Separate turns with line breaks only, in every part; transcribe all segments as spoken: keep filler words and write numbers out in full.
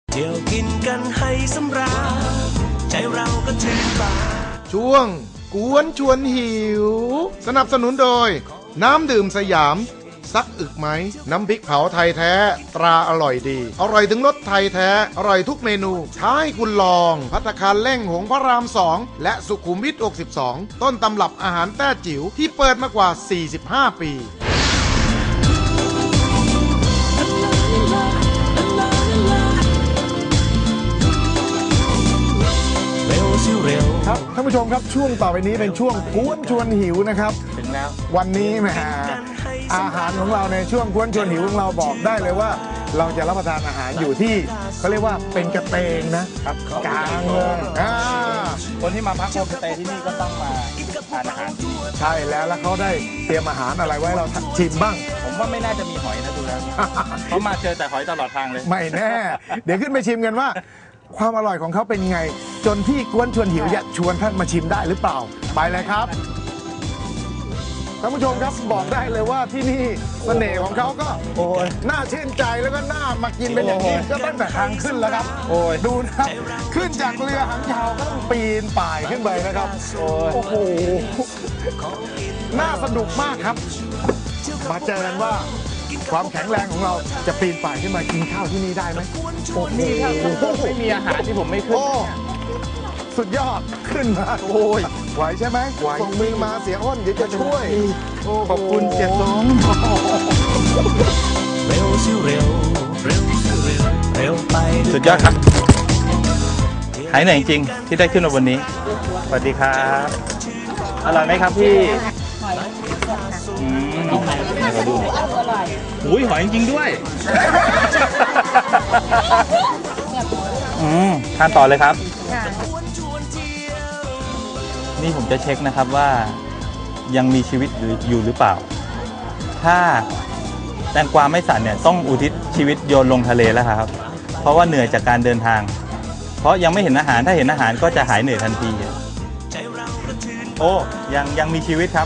เที่ยวกินกันให้สำราญใจเราก็ชื่นบาน
ช่วงกวนชวนหิวสนับสนุนโดยน้ำดื่มสยามซักอึกไหมน้ำพริกเผาไทยแท้ตราอร่อยดีอร่อยถึงรสไทยแท้อร่อยทุกเมนูท้าให้คุณลองภัตตาคารเล่งหงพระรามสองและสุขุมวิทหกสิบสองต้นตำรับอาหารแต้จิ๋วที่เปิดมากว่าสี่สิบห้าปีครับท่านผู้ชมครับช่วงต่อไปนี้เป็นช่วงกวนชวนหิวนะครับถึงแล้ววันนี้แหมอาหารของเราในช่วงกวนชวนหิวของเราบอกได้เลยว่าเราจะรับประทานอาหารอยู่ที่เขาเรียกว่าเป็นกระเตงนะครับกลางเมือง
คนที่มาพักโฮมสเตย์ที่นี่ก็ต้องมาทานอาหาร
ใช่แล้วแล้วเขาได้เตรียมอาหารอะไรไว้เราชิมบ้าง
ผมว่าไม่น่าจะมีหอยนะดูแล้วเขามาเจอแต่หอยตลอดทางเลย
ไม่แน่เดี๋ยวขึ้นไปชิมกันว่าความอร่อยของเขาเป็นไงจนที่กวนชวนหิวจะชวนท่านมาชิมได้หรือเปล่าไปเลยครับท่านผู้ชมครับบอกได้เลยว่าที่นี่เสน่ห์ของเขาก็โอ้ยน่าชื่นใจแล้วก็น่ามากินเป็นอย่างนี้ก็ตั้งแต่ทางขึ้นแล้วครับโอ้ยดูนะครับขึ้นจากเรือหางยาวก็ต้องปีนป่ายขึ้นไปนะครับโอ้โหน่าสนุกมากครับมาเจอกันว่าความแข็งแรงของเราจะปีนป่ายขึ้นมากินข้าวที่นี่ได้ไหม
โอ้นี่ถ้าไม่มีอาหารที่ผมไม่ขึ้น
สุดยอดขึ้นมาโอ้ยไหวใช่ไหมไหวส่งมือมาเสียอ้นเดี๋ยวจะช่วย
ขอบคุณเสียสงเร็วสิเร็วเร็วสิเร็วเร็วไปสุดยอดครับหายเหนื่อยจริงที่ได้ขึ้นมาวันนี้สวัสดีครับอร่อยไหมครับพี่อืมมาดูอุ้ยหอยจริงด้วยอืมทานต่อเลยครับนี่ผมจะเช็คนะครับว่ายังมีชีวิตอยู่หรือเปล่าถ้าแตงกวาไม่สั่นเนี่ยต้องอุทิศชีวิตโยนลงทะเลแล้วครับเพราะว่าเหนื่อยจากการเดินทางเพราะยังไม่เห็นอาหารถ้าเห็นอาหารก็จะหายเหนื่อยทันทีโอ้ยังยังมีชีวิตครับ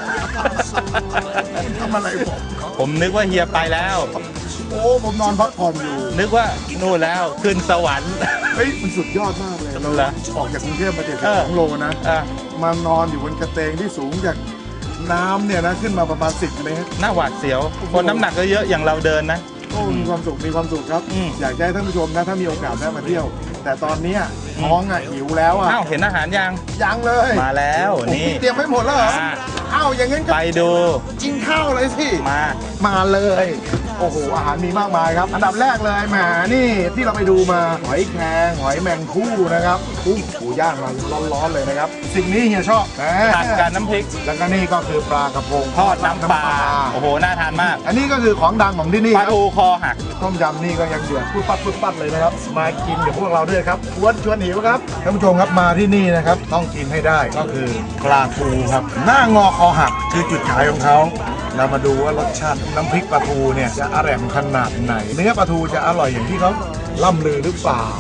ทำอะไรผม
ผมนึกว่าเฮียไปแล้ว
โอ้ผมนอนพักผ่อนอยู่
นึกว่านู่นแล้วขึ้นสวรรค์
เฮ้ยมันสุดยอดมากเลยเราออกจากกรุงเทพมาเจ็ดสิบสองโลนะมานอนอยู่บนกระเตงที่สูงจากน้ำเนี่ยนะขึ้นมาประมาณสิบเมตร
น่าหวาดเสียวคนน้ำหนักก็เยอะอย่างเราเดินนะ
โอ้มีความสุขมีความสุขครับอยากให้ท่านผู้ชมนะถ้ามีโอกาสได้มาเที่ยวแต่ตอนนี้ท้องอ่ะหิวแล้วอ่ะ
อ้าวเห็นอาหารยัง
ยังเลย
มาแล้วนี่
เตรียมไว้หมดแล้วเหรออ้าวอย่างงั้น
ไปดู
กินข้าวเลยสิ
มา
มาเลยโอ้โหอาหารมีมากมายครับอันดับแรกเลยแหมนี่ที่เราไปดูมาหอยแครงหอยแมงคู่นะครับกุ้งปูย่างมาร้อนๆเลยนะครับสิ่งนี้เฮียชอบ
ตัดกับน้ำพริก
แล้วก็นี่ก็คือปลากระพง
ทอดน้ำปลาโอ้โหน่าทานมาก
อันนี้ก็คือของดังของที่นี่
ปลาทูคอหัก
ต้มยำนี่ก็ยังเดือดปุ๊บปั๊บปุ๊บปั๊บเลยนะครับมากินกับพวกเราด้วยครับชวนชวนหิวครับท่านผู้ชมครับมาที่นี่นะครับต้องกินให้ได้ก็คือปลาทูครับหน้างอคอหักคือจุดขายของเขาเรามาดูว่ารสชาติน้ำพริกปลาทูเนี่ยจะอร่อยขนาดไหนเนื้อปลาทูจะอร่อยอย่างที่เขาล่ำลือหรือเปล่า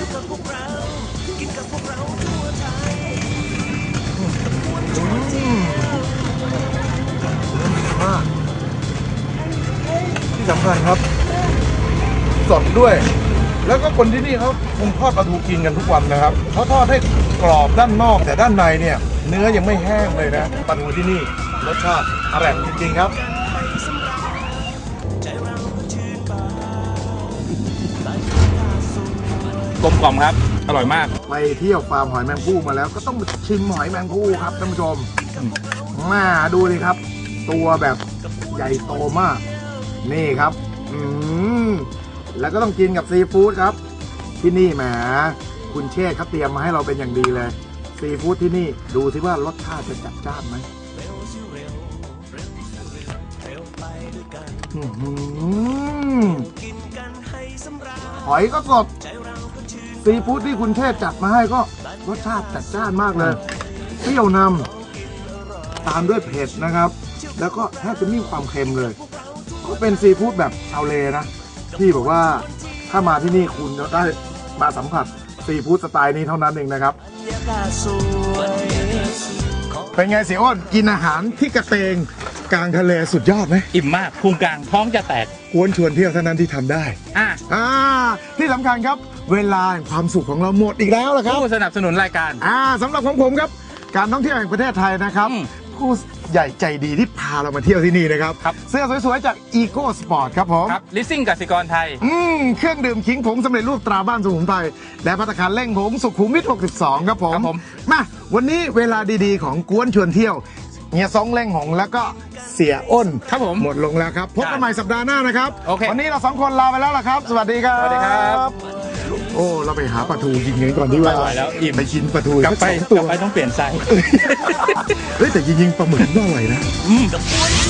ที่สำคัญครับสดด้วยแล้วก็คนที่นี่เขาคงทอดปลาทูกินกันทุกวันนะครับเขาทอดให้กรอบด้านนอกแต่ด้านในเนี่ยเนื้อยังไม่แห้งเลยนะปลาทูที่นี่รสชาติอร่อยจริงๆครับ
กลมกล่อมครับอร่อยมาก
ไปเที่ยวฟาร์มหอยแมงภู่มาแล้วก็ต้องชิมหอยแมงภู่ครับท่านผู้ชมมาดูดิครับตัวแบบใหญ่โตมากนี่ครับอืมแล้วก็ต้องกินกับซีฟู้ดครับที่นี่แหมคุณเชษเขาเตรียมมาให้เราเป็นอย่างดีเลยซีฟู้ดที่นี่ดูสิว่ารสชาติจะจัดจ้านไหมหอยก็สดซีฟู้ดที่คุณเชษจัดมาให้ก็รสชาติจัดจ้านมากเลยเปรี้ยวนำตามด้วยเผ็ดนะครับแล้วก็แทบจะไม่มีความเค็มเลยก็เป็นซีฟู้ดแบบชาวเลนะที่บอกว่าถ้ามาที่นี่คุณจะได้มาสัมผัสซีฟู้ดสไตล์นี้เท่านั้นเองนะครับเป็นไงเสียอ้นกินอาหารที่กระเตงกลางทะเลสุดยอดไหม
อิ่มมากพุงกลางท้องจะแตก
กวนชวนเที่ยวเท่านั้นที่ทำได้
อ่า
อ่าที่สำคัญครับเวลาแห่งความสุขของเราหมดอีกแล้วล่ะครับ
ผู้สนับสนุนรายการ
อ่าสำหรับของผมครับการท่องเที่ยวแห่งประเทศไทยนะครับ
อืม
ผู้ใหญ่ใจดีที่พาเรามาเที่ยวที่นี่นะครับ
ครับ
เสื้อสวยๆจาก Eco Sport ครับผม
ครับลิสซิ่งกสิกรไทย
อืมเครื่องดื่มขิงผงสำเร็จรูปตราบ้านสมุนไพรและภัตตาคารเล่งผงสุขุมวิทหกสิบสองครับผม
ครับผม
มาวันนี้เวลาดีๆของกวนชวนเที่ยวเฮียซองเล่งหงแล้วก็เสียอ้น
ครับผม
หมดลงแล้วครับพบกันใหม่สัปดาห์หน้านะครับ
โอเค
วันนี้เราสองคนลาไปแล้วล่ะครับ สวัสดีครับ
สวัสดีครับ
โอ้เราไปหาปลาทูกินกันก่อนดีกว่า
ไม่ไหวแล้วอิ่ม
ไปกินปลาทู
กลับไป
สัสอง
ก
ตั
ลั
ว
บไปต้องเปลี่ยนไซส์
เฮ้ยแต่จริงๆปลาหมึกน่าอร่อยนะ
กับกวน